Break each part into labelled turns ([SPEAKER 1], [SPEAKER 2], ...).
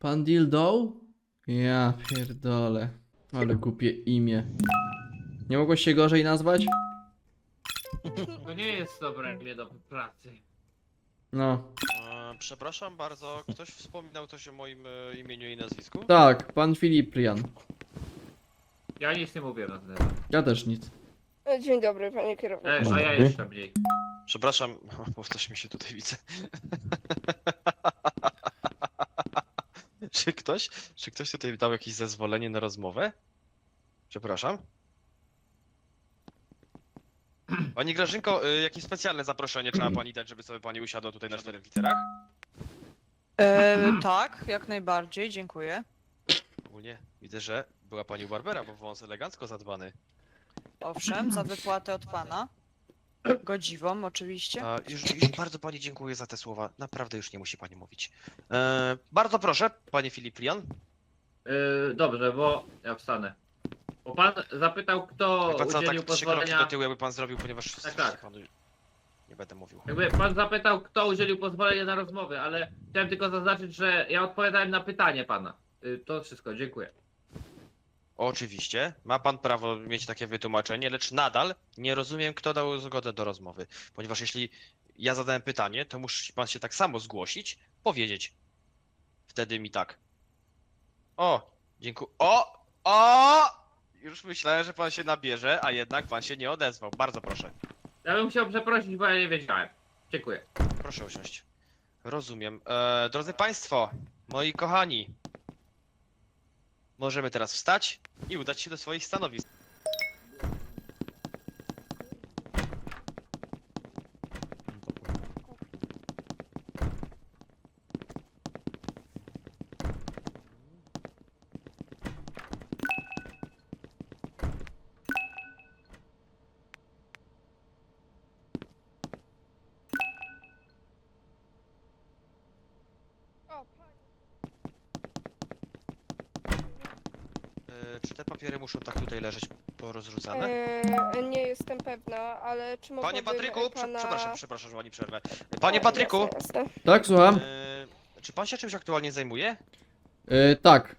[SPEAKER 1] Pan Dildo? Ja pierdolę. Ale głupie imię. Nie mogło się gorzej nazwać?
[SPEAKER 2] To nie jest dobre imię do pracy.
[SPEAKER 1] No.
[SPEAKER 3] Przepraszam bardzo, ktoś wspominał coś o moim imieniu i nazwisku?
[SPEAKER 1] Tak, pan Filiprian.
[SPEAKER 2] Ja nic nie mówię na ten temat.
[SPEAKER 1] Ja też nic.
[SPEAKER 4] Dzień dobry, panie kierowniku.
[SPEAKER 2] A ja jeszcze mniej.
[SPEAKER 3] Przepraszam, bo też mi się tutaj widzę. Czy ktoś tutaj dał jakieś zezwolenie na rozmowę? Przepraszam. Pani Grażynko, jakieś specjalne zaproszenie trzeba pani dać, żeby sobie pani usiadła tutaj na 4 literach?
[SPEAKER 5] Tak, jak najbardziej, dziękuję.
[SPEAKER 3] Ogólnie widzę, że była pani u Barbera, bo wąs elegancko zadbany.
[SPEAKER 5] Owszem, za wypłatę od pana. Godziwą, oczywiście.
[SPEAKER 3] A, już bardzo pani dziękuję za te słowa. Naprawdę już nie musi pani mówić. Bardzo proszę, panie Filiprian.
[SPEAKER 2] Dobrze, bo ja wstanę. Bo pan zapytał, kto
[SPEAKER 3] Wie pan co,
[SPEAKER 2] udzielił
[SPEAKER 3] tak 3 kroki
[SPEAKER 2] pozwolenia.
[SPEAKER 3] do tyłu jakby pan zrobił, ponieważ
[SPEAKER 2] Tak.
[SPEAKER 3] panu nie będę mówił.
[SPEAKER 2] Jakby pan zapytał, kto udzielił pozwolenia na rozmowę, ale chciałem tylko zaznaczyć, że ja odpowiadałem na pytanie pana. To wszystko, dziękuję.
[SPEAKER 3] Oczywiście, ma pan prawo mieć takie wytłumaczenie, lecz nadal nie rozumiem, kto dał zgodę do rozmowy. Ponieważ jeśli ja zadałem pytanie, to musi pan się tak samo zgłosić, powiedzieć. Wtedy mi tak. O, dziękuję. O! Już myślałem, że pan się nabierze, a jednak pan się nie odezwał. Bardzo proszę.
[SPEAKER 2] Ja bym chciał przeprosić, bo ja nie wiedziałem. Dziękuję.
[SPEAKER 3] Proszę usiąść. Rozumiem. Drodzy Państwo, moi kochani, możemy teraz wstać i udać się do swoich stanowisk.
[SPEAKER 4] O, panie.
[SPEAKER 3] Czy te papiery muszą tak tutaj leżeć porozrzucane?
[SPEAKER 4] Nie jestem pewna, ale czy mogłabym
[SPEAKER 3] Panie Patryku,
[SPEAKER 4] pana...
[SPEAKER 3] przepraszam, że pani przerwę. Panie Patryku,
[SPEAKER 4] Jasne, jasne.
[SPEAKER 1] Tak, słucham?
[SPEAKER 3] czy pan się czymś aktualnie zajmuje?
[SPEAKER 1] Tak.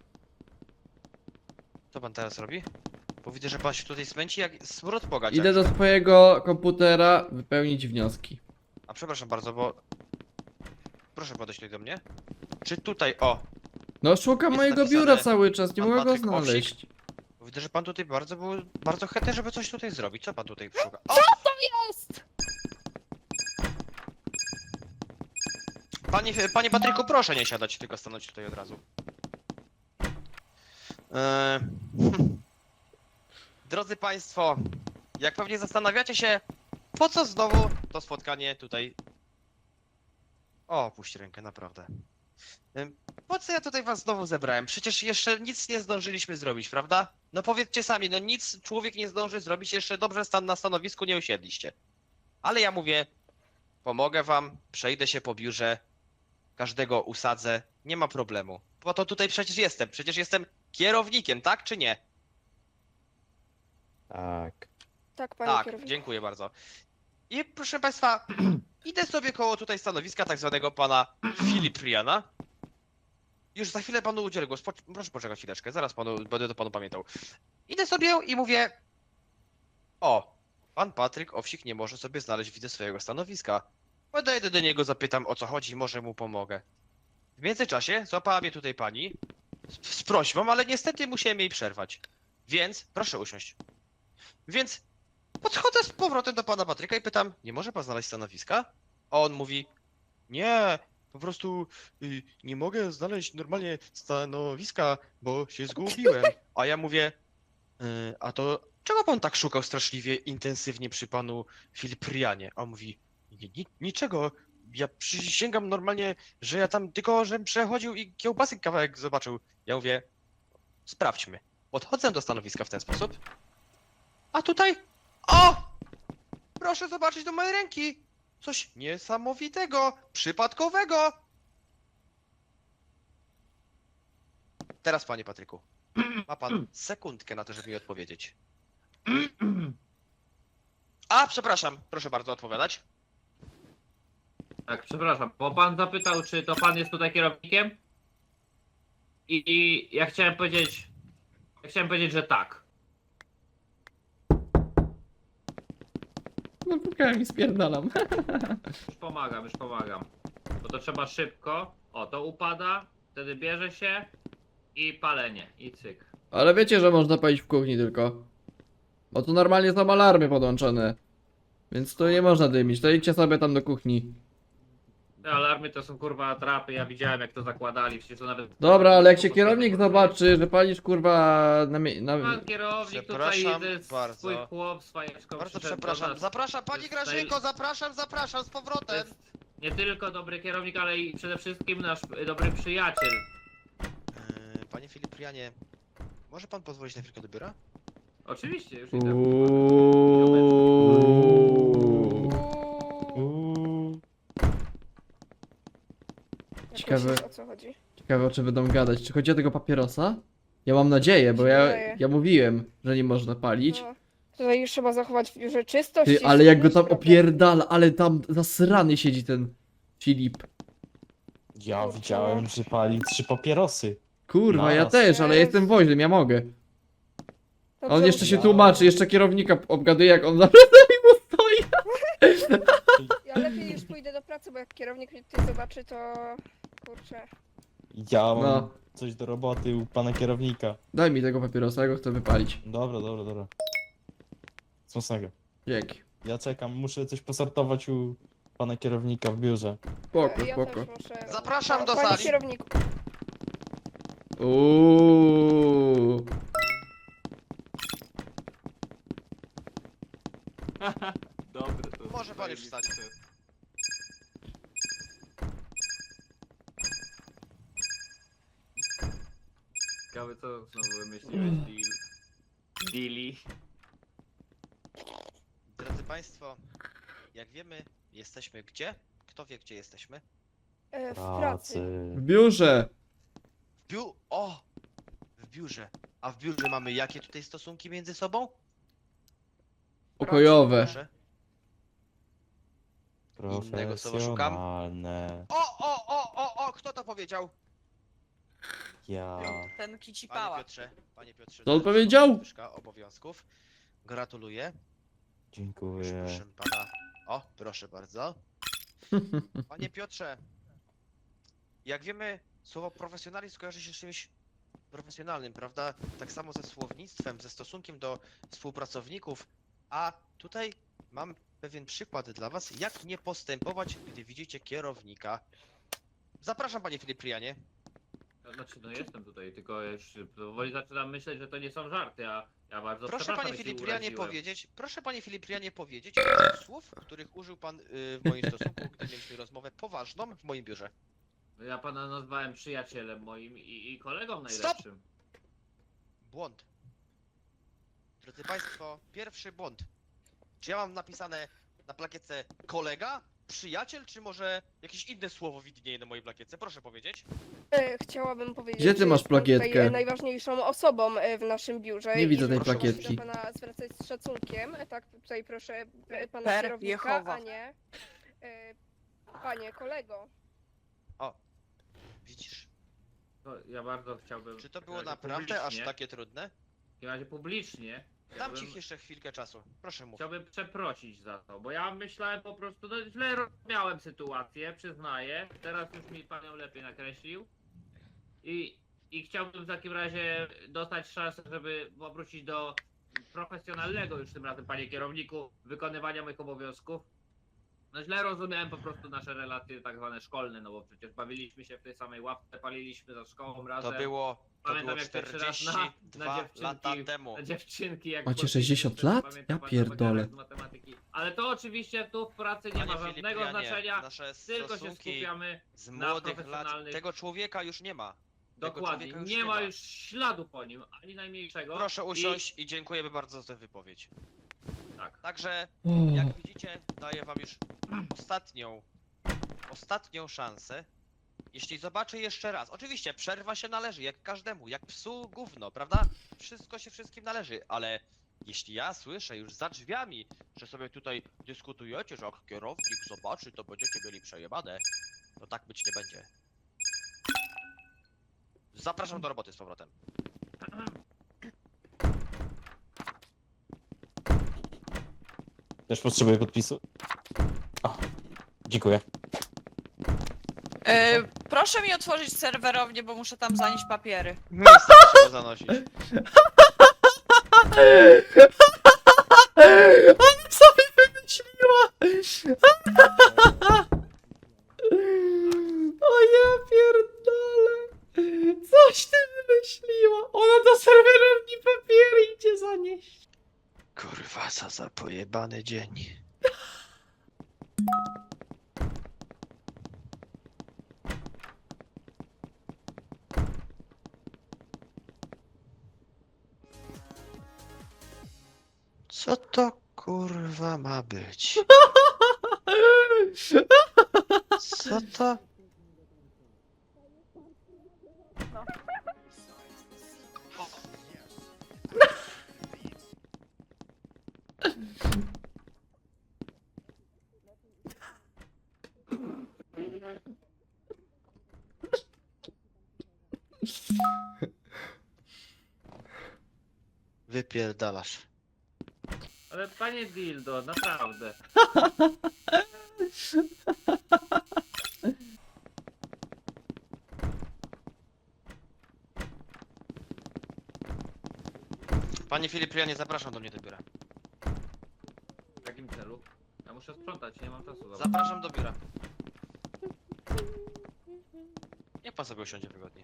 [SPEAKER 3] Co pan teraz robi? Bo widzę, że pan się tutaj smęci jak smród po gaciach.
[SPEAKER 1] Idę do swojego komputera wypełnić wnioski.
[SPEAKER 3] A przepraszam bardzo, bo... Proszę podejść tutaj do mnie. Czy tutaj, o,
[SPEAKER 1] No szukam
[SPEAKER 3] Jest
[SPEAKER 1] mojego
[SPEAKER 3] napisane,
[SPEAKER 1] biura cały czas, nie
[SPEAKER 3] pan
[SPEAKER 1] mogę go
[SPEAKER 3] Patryk Owsik?
[SPEAKER 1] znaleźć.
[SPEAKER 3] widzę, że pan tutaj bardzo chętny, żeby coś tutaj zrobić. Co pan tutaj szuka? O!
[SPEAKER 4] Jest!
[SPEAKER 3] Panie Patryku, proszę nie siadać, tylko stanąć tutaj od razu. Eee, Drodzy Państwo, jak pewnie zastanawiacie się, po co znowu to spotkanie tutaj... O, puść rękę, naprawdę. Po co ja tutaj was znowu zebrałem? Przecież jeszcze nic nie zdążyliśmy zrobić, prawda? No powiedzcie sami, no nic człowiek nie zdąży zrobić, jeszcze dobrze na stanowisku nie usiedliście. Ale ja mówię, pomogę wam, przejdę się po biurze, każdego usadzę, nie ma problemu. Po to tutaj przecież jestem kierownikiem, tak czy nie?
[SPEAKER 6] Tak.
[SPEAKER 4] Tak, panie
[SPEAKER 3] Tak,
[SPEAKER 4] kierowniku.
[SPEAKER 3] dziękuję bardzo. I proszę Państwa, idę sobie koło tutaj stanowiska tak zwanego pana Filipriana. Już za chwilę panu udzielę głos. Proszę poczekać chwileczkę, zaraz będę to panu pamiętał. Idę sobie i mówię... O, pan Patryk Owsik nie może sobie znaleźć, widzę, swojego stanowiska. Podejdę do niego, zapytam, o co chodzi, może mu pomogę. W międzyczasie złapała mnie tutaj pani z prośbą, ale niestety musiałem jej przerwać. Więc, proszę usiąść. Więc podchodzę z powrotem do pana Patryka i pytam, nie może pan znaleźć stanowiska? A on mówi, nie, po prostu nie mogę znaleźć normalnie stanowiska, bo się zgubiłem. A ja mówię, a to czego pan tak szukał straszliwie intensywnie przy panu Filiprianie? A on mówi, niczego, ja przysięgam normalnie, że ja tam tylko, żem przechodził i kiełbasy kawałek zobaczył. Ja mówię, sprawdźmy. Podchodzę do stanowiska w ten sposób. A tutaj... O! Proszę zobaczyć do mojej ręki! Coś niesamowitego, przypadkowego! Teraz, panie Patryku, ma pan sekundkę na to, żeby mi odpowiedzieć. A, przepraszam, proszę bardzo odpowiadać.
[SPEAKER 2] Tak, przepraszam, bo pan zapytał, czy to pan jest tutaj kierownikiem? I ja chciałem powiedzieć... Ja chciałem powiedzieć, że tak.
[SPEAKER 1] No pukałem i spierdalam.
[SPEAKER 2] Już pomagam. Bo to trzeba szybko. O, to upada, wtedy bierze się i palenie, i cyk.
[SPEAKER 1] Ale wiecie, że można palić w kuchni tylko. Bo tu normalnie są alarmy podłączone. Więc tu nie można dymić, to idźcie sobie tam do kuchni.
[SPEAKER 2] Te alarmy to są kurwa atrapy, ja widziałem jak to zakładali, przecież to nawet...
[SPEAKER 1] Dobra, ale jak się kierownik zobaczy, że palisz kurwa na...
[SPEAKER 2] Pan kierownik tutaj
[SPEAKER 3] Przepraszam
[SPEAKER 2] jest
[SPEAKER 3] bardzo.
[SPEAKER 2] swój chłop, swajeczką
[SPEAKER 3] Bardzo
[SPEAKER 2] przyszedł do
[SPEAKER 3] przepraszam.
[SPEAKER 2] nas.
[SPEAKER 3] Zapraszam, pani
[SPEAKER 2] jest
[SPEAKER 3] Grażynko, zapraszam z
[SPEAKER 2] To
[SPEAKER 3] powrotem.
[SPEAKER 2] jest nie tylko dobry kierownik, ale i przede wszystkim nasz dobry przyjaciel.
[SPEAKER 3] Panie Filiprianie, może pan pozwolić na chwilkę do biura?
[SPEAKER 2] Oczywiście, już idę.
[SPEAKER 1] Uuuu.
[SPEAKER 4] Jak
[SPEAKER 1] Ciekawe.
[SPEAKER 4] myślisz, o co chodzi?
[SPEAKER 1] Ciekawe, czy będą gadać. Czy chodzi o tego papierosa? Ja mam nadzieję, bo
[SPEAKER 4] Mi się
[SPEAKER 1] ja,
[SPEAKER 4] wydaje.
[SPEAKER 1] ja mówiłem, że nie można palić.
[SPEAKER 4] No, tutaj już trzeba zachować w biurze czystość.
[SPEAKER 1] Ty,
[SPEAKER 4] i
[SPEAKER 1] ale jak go tam
[SPEAKER 4] szczelność, prawda?
[SPEAKER 1] opierdala, ale tam zasrany siedzi ten Filip.
[SPEAKER 6] Ja
[SPEAKER 4] Kurczę,
[SPEAKER 6] widziałem,
[SPEAKER 4] no.
[SPEAKER 6] że pali 3 papierosy.
[SPEAKER 1] Kurwa, ja
[SPEAKER 6] Naraz.
[SPEAKER 1] też, ale ja jestem woźnym, ja mogę.
[SPEAKER 4] To
[SPEAKER 1] A on
[SPEAKER 4] co-
[SPEAKER 1] jeszcze się
[SPEAKER 6] Ja-
[SPEAKER 1] tłumaczy, jeszcze kierownika obgaduje, jak on za plecami mu stoi.
[SPEAKER 4] Ja lepiej już pójdę do pracy, bo jak kierownik mnie tutaj zobaczy, to... Kurczę.
[SPEAKER 6] Ja mam
[SPEAKER 1] No.
[SPEAKER 6] coś do roboty u pana kierownika.
[SPEAKER 1] Daj mi tego papierosa, ja go chcę wypalić.
[SPEAKER 6] Dobra. Smacznego.
[SPEAKER 1] Dzięki.
[SPEAKER 6] Ja czekam, muszę coś posortować u pana kierownika w biurze.
[SPEAKER 1] Spoko,
[SPEAKER 4] Ja
[SPEAKER 1] spoko.
[SPEAKER 4] też muszę...
[SPEAKER 3] Zapraszam do
[SPEAKER 4] Panie
[SPEAKER 3] sali.
[SPEAKER 4] kierowniku,
[SPEAKER 1] Uuuu.
[SPEAKER 2] Dobry, to
[SPEAKER 3] Może pan już wstać.
[SPEAKER 2] Ciekawe co znowu wymyśliłeś, Dilly.
[SPEAKER 3] Drodzy państwo, jak wiemy, jesteśmy gdzie? Kto wie, gdzie jesteśmy?
[SPEAKER 4] w pracy.
[SPEAKER 1] W biurze.
[SPEAKER 3] W biurze. A w biurze mamy jakie tutaj stosunki między sobą?
[SPEAKER 1] Pokojowe.
[SPEAKER 3] Proszę. Innego słowa szukam.
[SPEAKER 6] Profesjonalne.
[SPEAKER 3] O! Kto to powiedział?
[SPEAKER 6] Ja.
[SPEAKER 5] Ten
[SPEAKER 3] Panie
[SPEAKER 5] kicipała.
[SPEAKER 3] Panie Piotrze.
[SPEAKER 1] Co on
[SPEAKER 3] należy
[SPEAKER 1] powiedział?
[SPEAKER 3] panu podwyżka obowiązków. Gratuluję.
[SPEAKER 6] Dziękuję.
[SPEAKER 3] Proszę pana. O, proszę bardzo. Panie Piotrze, jak wiemy, słowo profesjonalizm kojarzy się z czymś profesjonalnym, prawda? Tak samo ze słownictwem, ze stosunkiem do współpracowników. A tutaj mam pewien przykład dla was, jak nie postępować, gdy widzicie kierownika. Zapraszam, panie Filiprianie.
[SPEAKER 2] Znaczy, no jestem tutaj, tylko już powoli zaczynam myśleć, że to nie są żarty, a ja bardzo
[SPEAKER 3] Proszę
[SPEAKER 2] przepraszam,
[SPEAKER 3] panie
[SPEAKER 2] jeśli
[SPEAKER 3] Filiprianie
[SPEAKER 2] uraziłem.
[SPEAKER 3] powiedzieć, kilka słów, których użył pan w moim stosunku, gdy mieliśmy rozmowę poważną w moim biurze.
[SPEAKER 2] Ja pana nazwałem przyjacielem moim i kolegą
[SPEAKER 3] Stop!
[SPEAKER 2] najlepszym.
[SPEAKER 3] Błąd. Drodzy państwo, pierwszy błąd. Czy ja mam napisane na plakietce kolega, przyjaciel, czy może jakieś inne słowo widnieje na mojej plakietce? Proszę powiedzieć.
[SPEAKER 4] Chciałabym powiedzieć,
[SPEAKER 1] Gdzie ty
[SPEAKER 4] że
[SPEAKER 1] masz
[SPEAKER 4] jest pan tutaj,
[SPEAKER 1] plakietkę?
[SPEAKER 4] Najważniejszą osobą w naszym biurze.
[SPEAKER 1] Nie widzę
[SPEAKER 4] i
[SPEAKER 1] tej
[SPEAKER 4] że proszę
[SPEAKER 1] plakietki.
[SPEAKER 4] do pana zwracać z szacunkiem. Tak, tutaj proszę pana
[SPEAKER 5] Per
[SPEAKER 4] kierownika,
[SPEAKER 5] Jehowa.
[SPEAKER 4] a nie panie kolego.
[SPEAKER 3] Widzisz?
[SPEAKER 2] To ja bardzo chciałbym...
[SPEAKER 3] Czy to było
[SPEAKER 2] w razie
[SPEAKER 3] naprawdę aż
[SPEAKER 2] publicznie-
[SPEAKER 3] takie trudne?
[SPEAKER 2] W razie publicznie
[SPEAKER 3] Dam
[SPEAKER 2] chciałbym-
[SPEAKER 3] ci jeszcze chwilkę czasu. Proszę mów.
[SPEAKER 2] Chciałbym przeprosić za to, bo ja myślałem po prostu, no źle rozumiałem sytuację, przyznaję. Teraz już mi pan ją lepiej nakreślił. I chciałbym w takim razie dostać szansę, żeby powrócić do profesjonalnego już tym razem, panie kierowniku, wykonywania moich obowiązków. No źle rozumiałem po prostu nasze relacje tak zwane szkolne, no bo przecież bawiliśmy się w tej samej ławce, paliliśmy za szkołą razem.
[SPEAKER 3] To było
[SPEAKER 2] Pamiętam, jak pierwszy raz na
[SPEAKER 3] 42
[SPEAKER 2] dziewczynki-
[SPEAKER 3] lata temu.
[SPEAKER 2] Na dziewczynki jak
[SPEAKER 1] Macie
[SPEAKER 2] chodziliśmy,
[SPEAKER 1] 60
[SPEAKER 2] to
[SPEAKER 1] lat?
[SPEAKER 2] pamiętam
[SPEAKER 1] Ja
[SPEAKER 2] bardzo
[SPEAKER 1] pierdolę.
[SPEAKER 2] zegarek z matematyki. Ale to oczywiście tu w pracy nie ma
[SPEAKER 3] Panie
[SPEAKER 2] żadnego
[SPEAKER 3] Filipianie,
[SPEAKER 2] znaczenia,
[SPEAKER 3] nasze
[SPEAKER 2] tylko się
[SPEAKER 3] stosunki
[SPEAKER 2] skupiamy.
[SPEAKER 3] z
[SPEAKER 2] na
[SPEAKER 3] młodych lat.
[SPEAKER 2] profesjonalnych-
[SPEAKER 3] Tego człowieka już nie ma. Tego
[SPEAKER 2] Dokładnie,
[SPEAKER 3] człowieka już
[SPEAKER 2] nie ma już śladu po nim, ani najmniejszego.
[SPEAKER 3] Proszę usiąść i dziękujemy bardzo za tę wypowiedź.
[SPEAKER 2] Tak.
[SPEAKER 3] Także,
[SPEAKER 1] O,
[SPEAKER 3] jak widzicie, daję wam już ostatnią szansę. Jeśli zobaczę jeszcze raz, oczywiście przerwa się należy, jak każdemu, jak psu gówno, prawda? Wszystko się wszystkim należy, ale jeśli ja słyszę już za drzwiami, że sobie tutaj dyskutujecie, że jak kierownik zobaczy, to będziecie mieli przejebane, to tak być nie będzie. Zapraszam do roboty z powrotem.
[SPEAKER 6] Też potrzebuję podpisu. O, dziękuję.
[SPEAKER 5] Proszę mi otworzyć serwerownię, bo muszę tam zanieść papiery.
[SPEAKER 3] Miejsce trzeba zanosić.
[SPEAKER 1] Ona sobie wymyśliła! O ja pierdolę! Coś ty wymyśliła! Ona do serwerowni papiery idzie zanieść!
[SPEAKER 3] Kurwa, co za pojebany dzień. Co to kurwa ma być? Co to? Wypierdalasz.
[SPEAKER 2] Ale panie Dildo, naprawdę.
[SPEAKER 3] Panie Filiprianie, zapraszam do mnie do biura.
[SPEAKER 2] W jakim celu? Ja muszę sprzątać, nie mam czasu. Zobacz.
[SPEAKER 3] Zapraszam do biura. Niech pan sobie usiądzie wygodnie.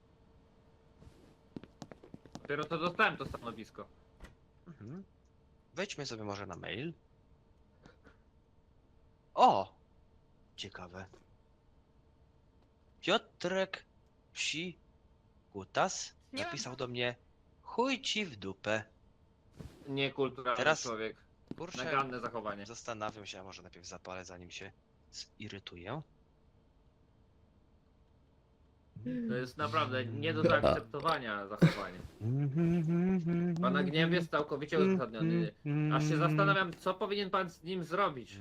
[SPEAKER 2] Dopiero co dostałem to stanowisko.
[SPEAKER 3] Wejdźmy sobie może na mail. O! Ciekawe. Piotrek Psi Kutas napisał do mnie: chuj ci w dupę.
[SPEAKER 2] Niekulturalny
[SPEAKER 3] Teraz-
[SPEAKER 2] człowiek.
[SPEAKER 3] Kurczę,
[SPEAKER 2] Naganne zachowanie.
[SPEAKER 3] zastanawiam się, a może najpierw zapalę, zanim się zirytuję.
[SPEAKER 2] To jest naprawdę nie do zaakceptowania zachowanie. Pana gniew jest całkowicie uzasadniony. Aż się zastanawiam, co powinien pan z nim zrobić.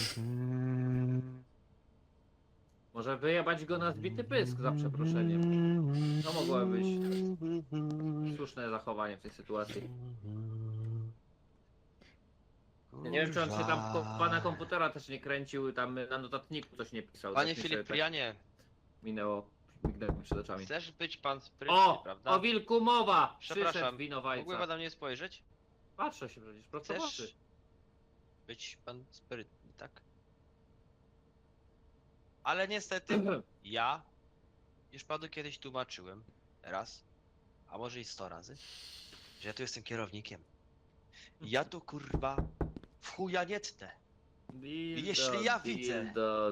[SPEAKER 2] Może wyjebać go na zbity pysk, za przeproszeniem. To mogłoby być słuszne zachowanie w tej sytuacji. Nie wiem, czy on się tam pana komputera też nie kręcił, tam na notatniku coś nie pisał.
[SPEAKER 3] Panie
[SPEAKER 2] tak mi się
[SPEAKER 3] Filiprianie,
[SPEAKER 2] tak mignęło mi przed oczami.
[SPEAKER 3] chcesz być pan sprytny,
[SPEAKER 2] O!
[SPEAKER 3] prawda?
[SPEAKER 2] O wilku mowa! Przyszedł
[SPEAKER 3] Przepraszam, mógłby
[SPEAKER 2] winowajca.
[SPEAKER 3] pan na mnie spojrzeć?
[SPEAKER 2] Patrzę się przecież, prosto w
[SPEAKER 3] Chcesz
[SPEAKER 2] oczy.
[SPEAKER 3] być pan sprytny, tak? Ale niestety, ja już panu kiedyś tłumaczyłem, raz, a może i 100 razy, że ja tu jestem kierownikiem. Ja tu kurwa w chuja nie tnę.
[SPEAKER 2] Dildo,
[SPEAKER 3] Jeśli ja widzę-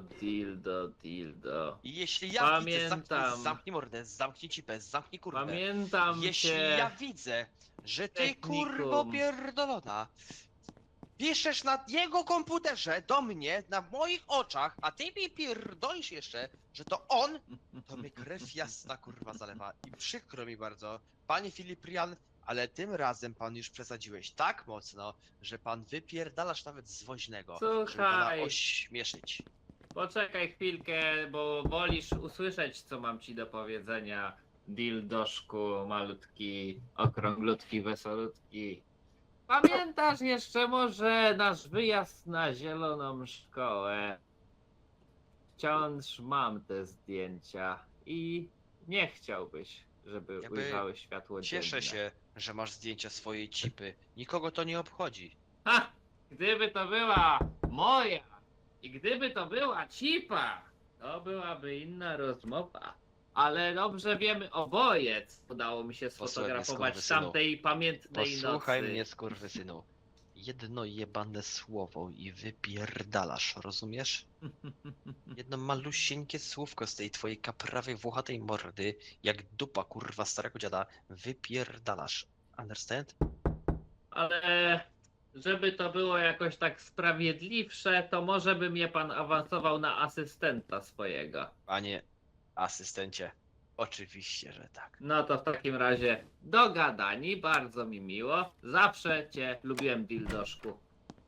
[SPEAKER 2] Dildo.
[SPEAKER 3] I jeśli ja widzę,
[SPEAKER 2] Pamiętam.
[SPEAKER 3] zamknij mordę, zamknij cipę, zamknij kurwę.
[SPEAKER 2] Pamiętam
[SPEAKER 3] Jeśli
[SPEAKER 2] cię.
[SPEAKER 3] ja widzę, że ty
[SPEAKER 2] technikum.
[SPEAKER 3] kurwo pierdolona piszesz na jego komputerze do mnie, na moich oczach, a ty mi pierdolisz jeszcze, że to on, to mnie krew jasna kurwa zalewa i przykro mi bardzo. Panie Filiprian, ale tym razem pan już przesadziłeś tak mocno, że pan wypierdalasz nawet z woźnego, żeby pana
[SPEAKER 2] Słuchaj.
[SPEAKER 3] ośmieszyć.
[SPEAKER 2] Poczekaj chwilkę, bo wolisz usłyszeć, co mam ci do powiedzenia. Dildoszku, malutki, okrąglutki, wesolutki. Pamiętasz jeszcze może nasz wyjazd na zieloną szkołę? Wciąż mam te zdjęcia i nie chciałbyś, żeby
[SPEAKER 3] Jakby
[SPEAKER 2] ujrzały światło dzienne.
[SPEAKER 3] Cieszę się, że masz zdjęcia swojej cipy. Nikogo to nie obchodzi.
[SPEAKER 2] Ha! Gdyby to była moja i gdyby to była cipa, to byłaby inna rozmowa. Ale dobrze wiemy oboje, co udało mi się
[SPEAKER 3] Posłuchaj mnie,
[SPEAKER 2] sfotografować
[SPEAKER 3] skurwysynu.
[SPEAKER 2] tamtej pamiętnej
[SPEAKER 3] Posłuchaj
[SPEAKER 2] nocy.
[SPEAKER 3] mnie, skurwysynu. Jedno jebane słowo i wypierdalasz, rozumiesz? Jedno malusieńkie słówko z tej twojej kaprawej, włochatej mordy, jak dupa kurwa starego dziada, wypierdalasz. Understand?
[SPEAKER 2] Ale żeby to było jakoś tak sprawiedliwsze, to może by mnie pan awansował na asystenta swojego.
[SPEAKER 3] Panie asystencie, oczywiście, że tak.
[SPEAKER 2] No to w takim razie dogadani, bardzo mi miło. Zawsze cię lubiłem, dildoszku.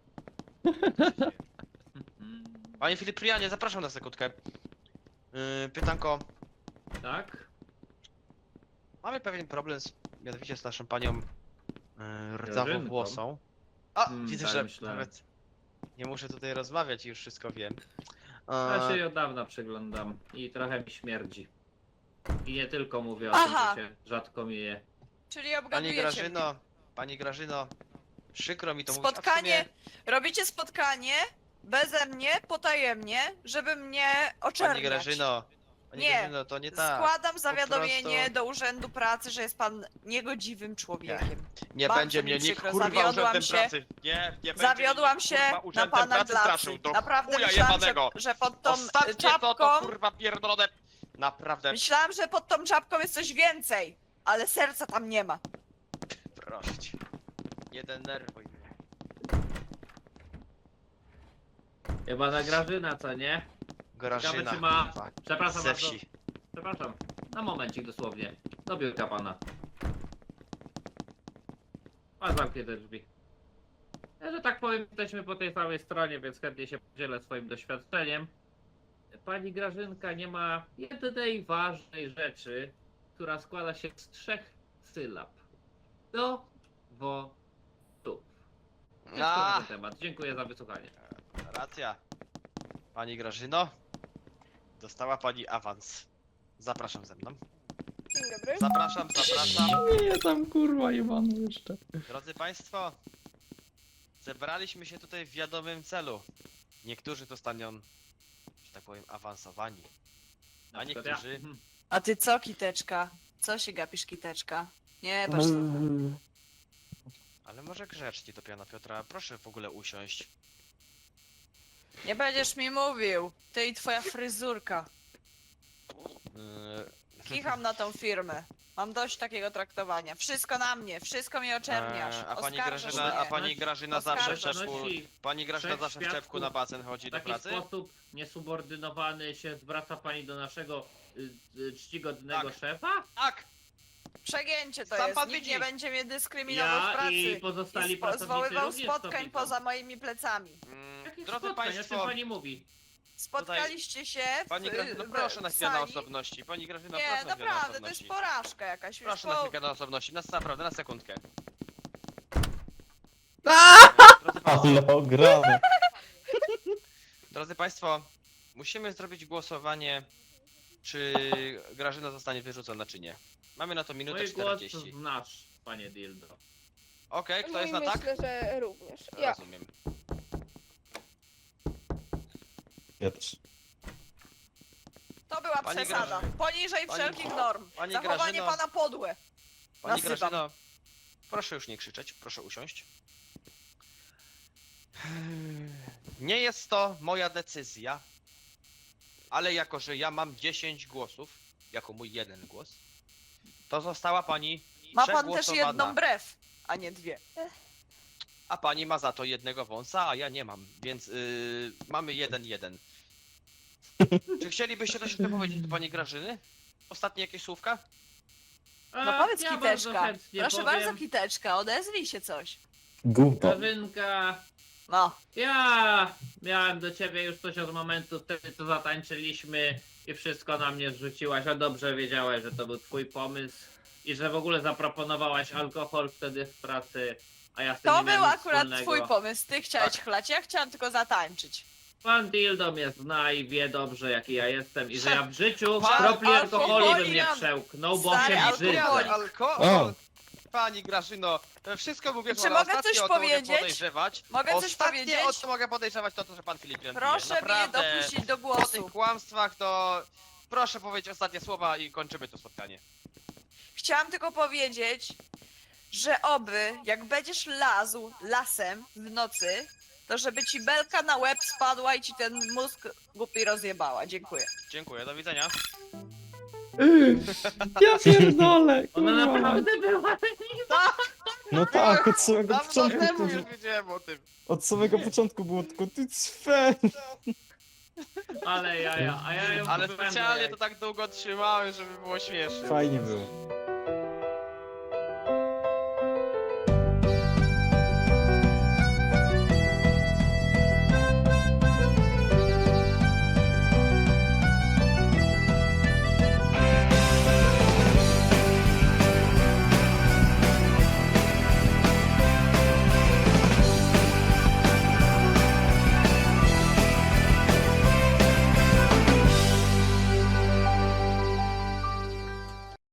[SPEAKER 3] Panie Filiprianie, zapraszam na sekundkę. Pytanko,
[SPEAKER 2] Tak?
[SPEAKER 3] Mamy pewien problem mianowicie z naszą panią rdzawą włosą. A, widzę,
[SPEAKER 2] tak
[SPEAKER 3] że
[SPEAKER 2] myślałem.
[SPEAKER 3] nawet nie muszę tutaj rozmawiać i już wszystko wiem.
[SPEAKER 2] Ja się jej od dawna przyglądam i trochę mi śmierdzi. I nie tylko mówię o
[SPEAKER 5] Aha.
[SPEAKER 2] tym, że się rzadko myje.
[SPEAKER 5] Czyli
[SPEAKER 3] Pani
[SPEAKER 5] obgadujecie
[SPEAKER 3] Grażyno, przykro mi to
[SPEAKER 5] mnie.
[SPEAKER 3] mówić, a w
[SPEAKER 5] Spotkanie,
[SPEAKER 3] sumie,
[SPEAKER 5] robicie spotkanie beze mnie, potajemnie, żeby mnie
[SPEAKER 3] Pani
[SPEAKER 5] oczerniać.
[SPEAKER 3] Grażyno,
[SPEAKER 5] Nie.
[SPEAKER 3] Grażyno, to nie tak.
[SPEAKER 5] Składam zawiadomienie
[SPEAKER 3] prostu-
[SPEAKER 5] do Urzędu Pracy, że jest pan niegodziwym człowiekiem.
[SPEAKER 3] Nie
[SPEAKER 5] Bardzo
[SPEAKER 3] będzie
[SPEAKER 5] mi
[SPEAKER 3] mnie nikt
[SPEAKER 5] przykro,
[SPEAKER 3] kurwa
[SPEAKER 5] zawiodłam
[SPEAKER 3] urzędem
[SPEAKER 5] się.
[SPEAKER 3] pracy. Nie będzie
[SPEAKER 5] Zawiodłam
[SPEAKER 3] mnie
[SPEAKER 5] się
[SPEAKER 3] nikt, kurwa,
[SPEAKER 5] na
[SPEAKER 3] urzędem
[SPEAKER 5] pana
[SPEAKER 3] pracy
[SPEAKER 5] glacy.
[SPEAKER 3] straszył. Do
[SPEAKER 5] Naprawdę
[SPEAKER 3] chuja
[SPEAKER 5] myślałam,
[SPEAKER 3] jebanego.
[SPEAKER 5] że pod tą
[SPEAKER 3] Ostatnie
[SPEAKER 5] czapką...
[SPEAKER 3] to kurwa pierdolone. Naprawdę,
[SPEAKER 5] Myślałam, że pod tą czapką jest coś więcej, ale serca tam nie ma.
[SPEAKER 3] proszę cię. Nie denerwuj mnie.
[SPEAKER 2] Chyba na Grażyna, co nie?
[SPEAKER 3] Grażyna,
[SPEAKER 2] czy ma-
[SPEAKER 3] kurwa,
[SPEAKER 2] Przepraszam
[SPEAKER 3] ze
[SPEAKER 2] bardzo.
[SPEAKER 3] wsi.
[SPEAKER 2] Przepraszam. Na momencik dosłownie. Do biurka pana. Pan zamknie te drzwi. Ja, że tak powiem, jesteśmy po tej samej stronie, więc chętnie się podzielę swoim doświadczeniem. Pani Grażynka nie ma jednej ważnej rzeczy, która składa się z 3 sylab. Do, wo, tu. Jest
[SPEAKER 3] A,
[SPEAKER 2] to na temat. Dziękuję za wysłuchanie.
[SPEAKER 3] racja. Pani Grażyno, dostała pani awans. Zapraszam ze mną.
[SPEAKER 4] Dzień dobry.
[SPEAKER 3] Zapraszam.
[SPEAKER 1] Nie, tam kurwa jebany jeszcze.
[SPEAKER 3] Drodzy Państwo, zebraliśmy się tutaj w wiadomym celu. Niektórzy zostaną, że tak powiem, awansowani.
[SPEAKER 2] Na
[SPEAKER 3] A
[SPEAKER 2] przykład
[SPEAKER 3] niektórzy-
[SPEAKER 2] ja.
[SPEAKER 5] A ty co, Kiteczka? Co się gapisz, Kiteczka? Nie, patrz tam.
[SPEAKER 3] Ale może grzecznie do pana Piotra, proszę w ogóle usiąść.
[SPEAKER 5] Nie będziesz mi mówił. Ty i twoja fryzurka. Kicham na tą firmę. Mam dość takiego traktowania. Wszystko na mnie, wszystko mnie oczerniasz.
[SPEAKER 3] A pani
[SPEAKER 5] Oskarżasz
[SPEAKER 3] Grażyna,
[SPEAKER 5] mnie.
[SPEAKER 3] a pani Grażyna zawsze w
[SPEAKER 5] Oskarżasz.
[SPEAKER 3] czepku,
[SPEAKER 2] Donosi
[SPEAKER 3] pani Grażyna
[SPEAKER 2] trzech
[SPEAKER 3] zawsze w czepku
[SPEAKER 2] świadków.
[SPEAKER 3] na basen chodzi
[SPEAKER 2] W
[SPEAKER 3] do
[SPEAKER 2] taki
[SPEAKER 3] pracy?
[SPEAKER 2] sposób niesubordynowany się zwraca pani do naszego czcigodnego
[SPEAKER 3] Tak.
[SPEAKER 2] szefa?
[SPEAKER 3] Tak!
[SPEAKER 5] Przegięcie to
[SPEAKER 3] Sam
[SPEAKER 5] jest.
[SPEAKER 3] pan
[SPEAKER 5] Nikt
[SPEAKER 3] widzi.
[SPEAKER 5] nie będzie mnie dyskryminował w
[SPEAKER 2] Ja
[SPEAKER 5] pracy.
[SPEAKER 2] i pozostali
[SPEAKER 5] I
[SPEAKER 2] pracownicy
[SPEAKER 5] zwoływał
[SPEAKER 2] również to
[SPEAKER 5] spotkań
[SPEAKER 2] widzą.
[SPEAKER 5] poza moimi plecami.
[SPEAKER 2] Jakich
[SPEAKER 3] Drodzy
[SPEAKER 2] spotkań? O czym
[SPEAKER 3] Państwo,
[SPEAKER 2] pani mówi?
[SPEAKER 5] Spotkaliście się w,
[SPEAKER 3] pani Grażyna,
[SPEAKER 5] w,
[SPEAKER 3] proszę na
[SPEAKER 5] w
[SPEAKER 3] chwilę na
[SPEAKER 5] sali.
[SPEAKER 3] osobności. Pani Grażyna,
[SPEAKER 5] Nie,
[SPEAKER 3] proszę na chwilę na
[SPEAKER 5] naprawdę, to jest
[SPEAKER 3] osobności.
[SPEAKER 5] porażka jakaś. Już
[SPEAKER 3] Proszę na chwilę na osobności, naprawdę, na sekundkę. Drodzy Państwo,
[SPEAKER 6] Ale ograne.
[SPEAKER 3] Drodzy Państwo, musimy zrobić głosowanie, czy Grażyna zostanie wyrzucona, czy nie. Mamy na to minutę
[SPEAKER 2] Mój głos
[SPEAKER 3] 40.
[SPEAKER 2] znasz, panie Dildo.
[SPEAKER 3] Okej, kto jest
[SPEAKER 4] No
[SPEAKER 3] na
[SPEAKER 4] i
[SPEAKER 3] tak?
[SPEAKER 4] myślę, że również. Ja.
[SPEAKER 3] Rozumiem.
[SPEAKER 6] Ja też.
[SPEAKER 5] To była
[SPEAKER 3] Pani
[SPEAKER 5] przesada.
[SPEAKER 3] Grażyna.
[SPEAKER 5] Poniżej
[SPEAKER 3] Pani-
[SPEAKER 5] wszelkich norm.
[SPEAKER 3] Pani
[SPEAKER 5] Zachowanie
[SPEAKER 3] Grażyno-
[SPEAKER 5] pana podłe.
[SPEAKER 3] Pani
[SPEAKER 5] Nasypam.
[SPEAKER 3] Grażyno, proszę już nie krzyczeć, proszę usiąść. Nie jest to moja decyzja, ale jako, że ja mam 10 głosów, jako mój jeden głos, to została pani
[SPEAKER 5] Ma pan też
[SPEAKER 3] przegłosowana.
[SPEAKER 5] jedną brew, a nie dwie.
[SPEAKER 3] A pani ma za to jednego wąsa, a ja nie mam, więc mamy 1-1. Czy chcielibyście coś jeszcze powiedzieć do pani Grażyny? Ostatnie jakieś słówka?
[SPEAKER 5] No powiedz,
[SPEAKER 2] ja bardzo
[SPEAKER 5] Kiteczka.
[SPEAKER 2] chętnie
[SPEAKER 5] Proszę
[SPEAKER 2] powiem.
[SPEAKER 5] bardzo, Kiteczka, odezwij się coś.
[SPEAKER 6] Gówno.
[SPEAKER 2] Grażynka,
[SPEAKER 5] No.
[SPEAKER 2] ja miałem do ciebie już coś od momentu wtedy, co zatańczyliśmy i wszystko na mnie zrzuciłaś, a dobrze wiedziałaś, że to był twój pomysł i że w ogóle zaproponowałaś alkohol wtedy w pracy, a ja z tym
[SPEAKER 5] To
[SPEAKER 2] nie miałem
[SPEAKER 5] był
[SPEAKER 2] nic
[SPEAKER 5] akurat
[SPEAKER 2] wspólnego.
[SPEAKER 5] twój pomysł. Ty chciałeś
[SPEAKER 3] Tak.
[SPEAKER 5] chlać, ja chciałam tylko zatańczyć.
[SPEAKER 2] Pan Dildo mnie zna i wie dobrze, jaki ja jestem i że ja w życiu
[SPEAKER 3] Pan
[SPEAKER 2] kropli alkoholu bym nie
[SPEAKER 5] alkoholikan.
[SPEAKER 2] przełknął, bo
[SPEAKER 5] Stary
[SPEAKER 2] się
[SPEAKER 5] alkoholik.
[SPEAKER 2] brzydzę.
[SPEAKER 3] Alkohol! Pani Grażyno, wszystko mówię,
[SPEAKER 5] Czy
[SPEAKER 3] że
[SPEAKER 5] mogę
[SPEAKER 3] ostatnie
[SPEAKER 5] coś
[SPEAKER 3] o to mogę
[SPEAKER 5] powiedzieć?
[SPEAKER 3] podejrzewać.
[SPEAKER 5] Mogę coś
[SPEAKER 3] Ostatnie
[SPEAKER 5] powiedzieć?
[SPEAKER 3] o co mogę podejrzewać to, że pan Filip Jan pije.
[SPEAKER 5] Proszę mnie
[SPEAKER 3] Naprawdę,
[SPEAKER 5] dopuścić do
[SPEAKER 3] po tych
[SPEAKER 5] głosu.
[SPEAKER 3] kłamstwach to proszę powiedzieć ostatnie słowa i kończymy to spotkanie.
[SPEAKER 5] Chciałam tylko powiedzieć, że oby, jak będziesz lazł lasem w nocy, to żeby ci belka na łeb spadła i ci ten mózg głupi rozjebała. Dziękuję.
[SPEAKER 3] Dziękuję, do widzenia.
[SPEAKER 1] Ja pierdolę,
[SPEAKER 2] Ona
[SPEAKER 1] kurwa.
[SPEAKER 2] naprawdę była.
[SPEAKER 6] No tak, od samego
[SPEAKER 3] Dawno
[SPEAKER 6] początku.
[SPEAKER 3] temu
[SPEAKER 6] To,
[SPEAKER 3] już wiedziałem o tym.
[SPEAKER 6] od samego początku było tylko ty cwer.
[SPEAKER 2] Ale ja ją
[SPEAKER 3] Ale
[SPEAKER 2] byłem
[SPEAKER 3] specjalnie
[SPEAKER 2] jak-
[SPEAKER 3] to tak długo trzymałem, żeby było śmieszne.
[SPEAKER 6] Fajnie było.